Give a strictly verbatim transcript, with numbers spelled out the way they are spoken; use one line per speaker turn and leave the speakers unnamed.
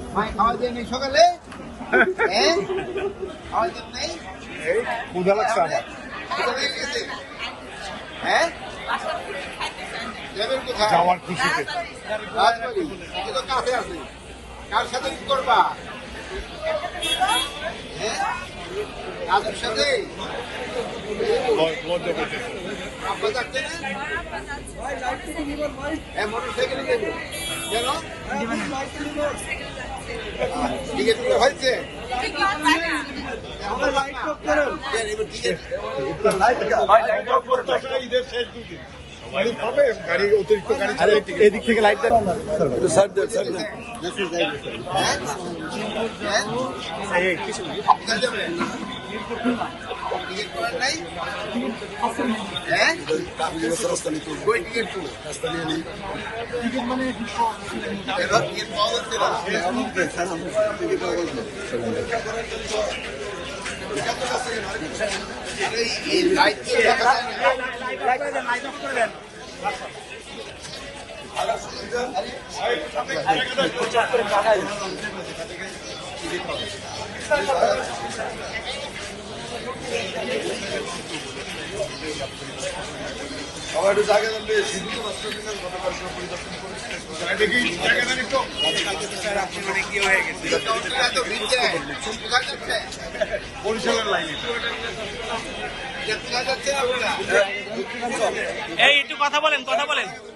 ভাই খাওয়া দিয়ে নেই সকালে হ্যাঁ খাওয়া দিয়ে নেই
এই ক্ষুধা লাগছে আমার।
কোথা থেকে গেছে? হ্যাঁ যাবেন কোথায়?
যাওয়ার খুশিতে
রাজবাড়ি এটা তো কাছে আছে। কার সাথে কি করবা? হ্যাঁ রাজুর সাথে
ল- লজ্জা করতেছে।
আব্বা যাচ্ছে না? হ্যাঁ মোটর সাইকেলে যাবো কেন? টিকিট করে হয়েছে? এখনো লাইট টপ করেন। এবার টিকিট
ঈদের শেষ দুদিন সবাই পাবে গাড়ি অতিরিক্ত গাড়ি ছাড়া এদিক থেকে লাইট দেন
হ্যাঁ কোথায় যাবেন? টিকিট করার নাই? হ্যাঁ কই টিকিট করবো? এবার টিকিট পাওয়া যাচ্ছে না। আরে এই লাইট তো দেখা যায় না।
সবাই একটু জায়গা দেন বেশ হিন্দু রাষ্ট্র দিনের গতকাল পরিদর্শন করে
দেখি জায়গা দেন একটু।
এত ভিড় যায়। কোথায় যাচ্ছে?
বরিশালের লাইনে
কোথায় যাচ্ছে আপনারা?
এই একটু কথা বলেন কথা বলেন